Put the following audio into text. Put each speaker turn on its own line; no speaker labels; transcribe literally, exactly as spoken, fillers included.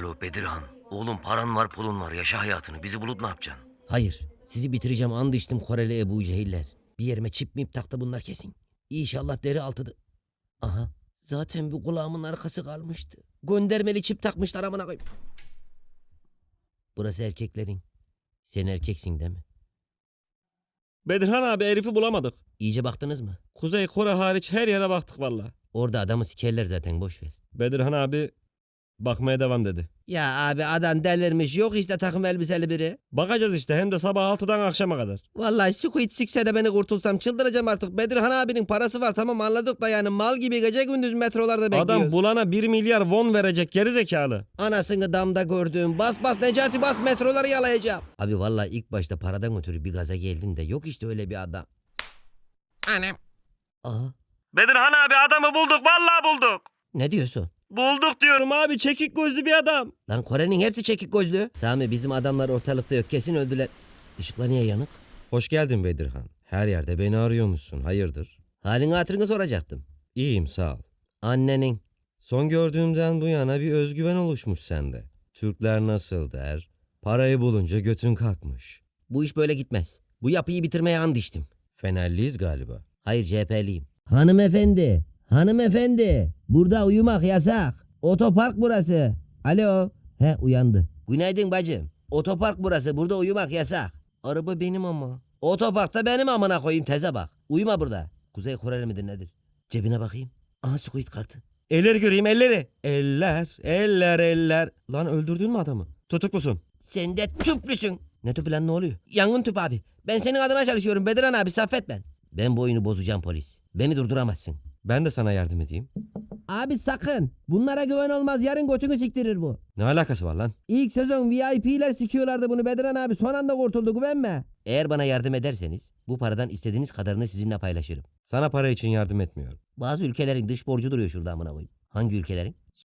Alo Bedirhan. Oğlum paran var pulun var yaşa hayatını bizi bulup ne yapacaksın?
Hayır. Sizi bitireceğim and içtim Koreli Ebu Cehiller. Bir yerime çip mip taktı bunlar kesin. İnşallah deri altıdı. Aha. Zaten bu kulağımın arkası kalmıştı. Göndermeli çip takmışlar amına koyayım. Burası erkeklerin. Sen erkeksin değil mi?
Bedirhan abi herifi bulamadık.
İyice baktınız mı?
Kuzey Kore hariç her yere baktık valla.
Orada adamı sikerler zaten boş ver.
Bedirhan abi bakmaya devam dedi.
Ya abi adam delirmiş yok işte takım elbiseli biri.
Bakacağız işte hem de sabah altıdan akşama kadar.
Vallahi Squid sikse de beni kurtulsam çıldıracağım artık. Bedirhan abinin parası var tamam anladık da yani mal gibi gece gündüz metrolarda bekliyoruz.
Adam bulana bir milyar won verecek gerizekalı.
Anasını damda gördüğüm bas bas Necati bas metroları yalayacağım. Abi vallahi ilk başta paradan ötürü bir gaza geldin de yok işte öyle bir adam. Anam. Aha
Bedirhan abi adamı bulduk vallahi bulduk.
ne diyorsun?
Bulduk diyorum abi çekik gözlü bir adam.
Lan Kore'nin hepsi çekik gözlü. Sami bizim adamlar ortalıkta yok kesin öldüler. Işıklar niye yanık?
Hoş geldin Bedirhan. Her yerde beni arıyormuşsun. Hayırdır?
Halini hatırını soracaktım.
İyiyim sağ ol.
Annenin.
Son gördüğümden bu yana bir özgüven oluşmuş sende. Türkler nasıl der? Parayı bulunca götün kalkmış.
Bu iş böyle gitmez. Bu yapıyı bitirmeye and içtim.
Fenerliyiz galiba.
Hayır C H P'liyim. Hanımefendi. Hanımefendi. Burada uyumak yasak. Otopark burası. Alo. He uyandı. Günaydın bacım. Otopark burası. Burada uyumak yasak. Araba benim ama. Otoparkta benim amına koyayım teze bak. Uyuma burada. Kuzey Koreli midir nedir? Cebine bakayım. Aha Squid kartı.
Elleri göreyim elleri. Eller, eller, eller. Lan öldürdün mü adamı? Tutuklusun.
Sen de tüplüsün. Ne tüpü lan ne oluyor? Yangın tüpü abi. Ben senin adına çalışıyorum Bediran abi Saffet ben. Ben bu oyunu bozacağım polis. Beni durduramazsın.
Ben de sana yardım edeyim.
Abi sakın. Bunlara güven olmaz. Yarın götünü siktirir bu.
Ne alakası var lan?
İlk sezon V I P'ler sikiyorlardı bunu Bediran abi. Son anda kurtuldu güvenme. Eğer bana yardım ederseniz bu paradan istediğiniz kadarını sizinle paylaşırım.
Sana para için yardım etmiyorum.
Bazı ülkelerin dış borcu duruyor şurada amına koyayım. Hangi ülkelerin?